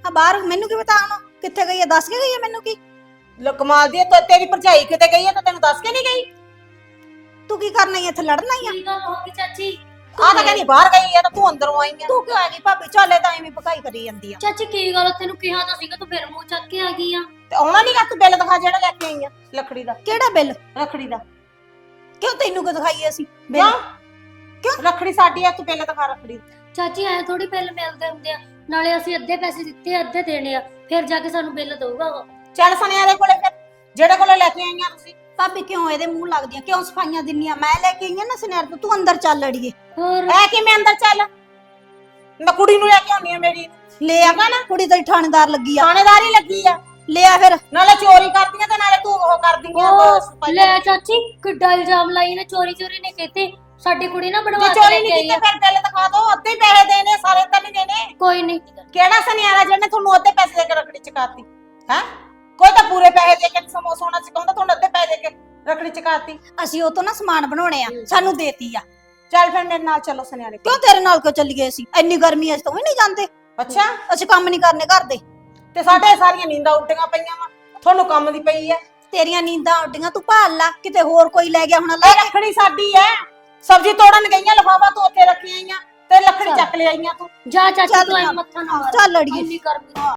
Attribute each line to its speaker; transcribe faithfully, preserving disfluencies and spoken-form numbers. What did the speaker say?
Speaker 1: ਆ ਬਾਹਰ ਮੈਨੂੰ ਕੀ ਪਤਾ ਹੁਣ ਕਿੱਥੇ ਗਈ ਹੈ ਦੱਸ ਕੇ ਗਈ ਹੈ ਮੈਨੂੰ ਕੀ
Speaker 2: ਲੋ ਕਮਾਲ ਦੀ ਤੇ ਤੇਰੀ ਭਰਜਾਈ ਕਿਤੇ ਗਈ ਹੈ ਤਾਂ ਤੈਨੂੰ ਦੱਸ ਕੇ ਨਹੀਂ ਗਈ
Speaker 1: ਤੂੰ ਕੀ ਕਰਨਾ ਹੀ ਇੱਥੇ ਲੜਨਾ ਹੀ ਆ
Speaker 3: ਕੀ ਗੱਲ ਹੋ ਗਈ ਚਾਚੀ
Speaker 2: ਆ ਤਾਂ ਕਹਿੰਦੀ ਬਾਹਰ ਗਈ ਹੈ ਤਾਂ ਤੂੰ ਅੰਦਰੋਂ ਆਈ ਆ
Speaker 1: ਤੂੰ ਕਿਉਂ ਆ ਗਈ ਭਾਬੀ ਚੱਲੇ ਤਾਂ ਐਵੇਂ ਭਕਾਈ ਕਰੀ ਜਾਂਦੀ ਆ
Speaker 3: ਚਾਚੀ ਕੀ ਗੱਲ ਤੈਨੂੰ ਕਿਹਾ ਤਾਂ ਸੀਗਾ ਤੂੰ ਫਿਰ ਮੂੰਹ ਚੱਕ ਕੇ ਆ ਗਈ ਆ
Speaker 2: ਤੇ ਆਉਣਾ ਨਹੀਂ ਗਾ ਤੂੰ ਬਿੱਲ ਦਿਖਾ ਜਿਹੜਾ ਲੈ ਕੇ ਆਈ ਆ ਲੱਕੜੀ ਦਾ
Speaker 1: ਕਿਹੜਾ ਬਿੱਲ
Speaker 2: ਰੱਖੜੀ ਦਾ
Speaker 1: ਕਿਉਂ ਤੈਨੂੰ ਕਿਉਂ ਦਿਖਾਈਏ ਅਸੀਂ ਬਿੱਲ
Speaker 2: ਕਿਉਂ ਕਿਉਂ ਰੱਖੜੀ ਸਾਡੀ ਆ ਤੂੰ ਬਿੱਲ ਦਿਖਾ ਰੱਖੜੀ ਦਾ।
Speaker 3: ਚਾਚੀ ਐ ਥੋੜੀ ਬਿੱਲ ਮਿਲਦੇ ਹੁੰਦੇ ਆ ਨਾਲੇ ਅਸੀਂ ਅੱਧੇ ਪੈਸੇ ਦਿੱਤੇ ਆ, ਅੱਧੇ ਦੇਣੇ ਆ ਫਿਰ ਜਾ ਕੇ ਸਾਨੂੰ ਬਿੱਲ ਦਊਗਾ ਉਹ
Speaker 2: ਚੱਲ ਸੁਨਿਆਰੇ ਕੋਲੇ ਫਿਰ ਜਿਹੜੇ ਕੋਲੇ ਲੈ ਕੇ ਆਈਆਂ ਤੁਸੀਂ
Speaker 1: ਭਾਬੀ ਕਿਉਂ ਇਹਦੇ ਮੂੰਹ ਲੱਗਦੀਆਂ ਕਿਉਂ ਸਫਾਈਆਂ ਦਿੰਨੀਆਂ ਮੈਂ ਲੈ ਕੇ ਆਈ ਆ ਨਾ ਸੁਨਿਆਰ ਤੋਂ ਤੂੰ ਅੰਦਰ ਚੱਲ ਅੜੀਏ
Speaker 3: ਹੋਰ
Speaker 2: ਐ ਕਿਵੇਂ ਅੰਦਰ ਚੱਲ ਮੈਂ ਕੁੜੀ ਨੂੰ ਲੈ ਕੇ ਆਉਣੀ ਆ ਮੇਰੀ
Speaker 1: ਲੈ ਆ ਨਾ ਕੁੜੀ ਤੇਰੀ ਥਾਣੇਦਾਰ ਲੱਗੀ ਆ
Speaker 2: ਥਾਣੇਦਾਰ ਹੀ ਲੱਗੀ ਆ
Speaker 1: ਲੈ ਆ ਫਿਰ
Speaker 2: ਨਾਲੇ ਚੋਰੀ ਕਰਦੀਆਂ ਤੇ ਨਾਲੇ ਤੂੰ ਉਹ ਕਰਦੀਆਂ
Speaker 3: ਉਹ ਲੈ ਚਾਚੀ ਕਿੱਡਾ ਇਲਜ਼ਾਮ ਲਾਈ ਨੇ ਚੋਰੀ ਚੋਰੀ ਨੇ ਕੀਤੇ ਸਾਡੀ ਕੁੜੀ ਨਾ ਬਣਵਾ
Speaker 2: ਜੇ
Speaker 3: ਕੇ
Speaker 2: ਚੋਰੀ
Speaker 3: ਲੈ
Speaker 2: ਨਹੀਂ
Speaker 3: ਕੇ ਆਈ
Speaker 2: ਕੀਤੀ
Speaker 3: ਆ
Speaker 2: ਫਿਰ ਬਿੱਲ ਦਿਖਾ ਦੋ ਅੱਧੇ ਪੈਸੇ ਦੇਣੇ ਸਾਰੇ ਤਾਂ ਨਹੀਂ ਦੇਣੇ
Speaker 3: ਕੋਈ ਨਹੀਂ
Speaker 2: ਕਿਹੜਾ ਸੁਨਿਆਰਾ ਜਿਹਨੇ ਤੁਹਾਨੂੰ ਅੱਧੇ ਪੈਸੇ ਦੇ ਕੇ ਰੱਖੜੀ ਚਕਾਤੀ ਹੈ ਕੋਈ ਤਾਂ ਪੂਰੇ ਪੈਸੇ ਦੇ ਕੇ ਸਮੋਸਾ ਹੋਣਾ ਚਕਾਉਂਦਾ ਤੁਹਾਨੂੰ ਅੱਧੇ ਪੈਸੇ ਦੇ ਕੇ ਰੱਖੜੀ ਚਕਾਤੀ
Speaker 1: ਅਸੀਂ ਉਹ ਤੋਂ ਨਾ ਸਮਾਨ ਬਣਾਉਣੇ ਆ ਸਾਨੂੰ ਦੇਤੀ ਆ
Speaker 2: ਚੱਲ ਫਿਰ ਮੇਰੇ ਨਾਲ ਚੱਲੋ ਸੁਨਿਆਰੇ ਕੋਲ।
Speaker 1: ਕਿਉਂ ਤੇਰੇ ਨਾਲ ਕਿਉਂ ਚੱਲੀਏ ਅਸੀਂ ਇੰਨੀ ਗਰਮੀ ਅਸੀਂ ਤਾਂ ਵੀ ਨਹੀਂ ਜਾਂਦੇ
Speaker 2: ਅੱਛਾ
Speaker 1: ਅਸੀਂ ਕੰਮ ਨਹੀਂ ਕਰਨੇ ਘਰ ਦੇ
Speaker 2: ਤੇ ਸਾਡੇ ਸਾਰੀਆਂ ਨੀਂਦਾਂ ਉੱਡੀਆਂ ਪਈਆਂ ਵਾ ਤੁਹਾਨੂੰ ਕੰਮ ਦੀ ਪਈ ਐ
Speaker 1: ਤੇਰੀਆਂ ਨੀਂਦਾਂ ਉੱਡੀਆਂ ਤੂੰ ਭਾਲ ਲਾ ਕਿਤੇ ਹੋਰ ਕੋਈ ਲੈ ਗਿਆ ਹੁਣ ਲੈ
Speaker 2: ਇਹ ਰੱਖੜੀ ਸਾਡੀ ਐ ਸਬਜ਼ੀ ਤੋੜਨ ਗਈਆਂ ਲਿਫਾਫਾ ਤੂੰ ਉੱਥੇ ਰੱਖੀ ਆਈਆਂ ਤੇ ਲੱਕੜੀ ਚੱਕ ਲੈ ਆਈਆਂ ਤੂੰ
Speaker 3: ਜਾ ਚਾਚੀ
Speaker 1: ਚੱਲ
Speaker 3: ਤੂੰ ਐ
Speaker 1: ਚੱਲ।
Speaker 3: ਮੱਥਾ ਨਾ ਮਾਰ
Speaker 1: ਚੱਲ ਅੜੀਏ।
Speaker 3: ਇੰਨੀ ਗਰਮੀ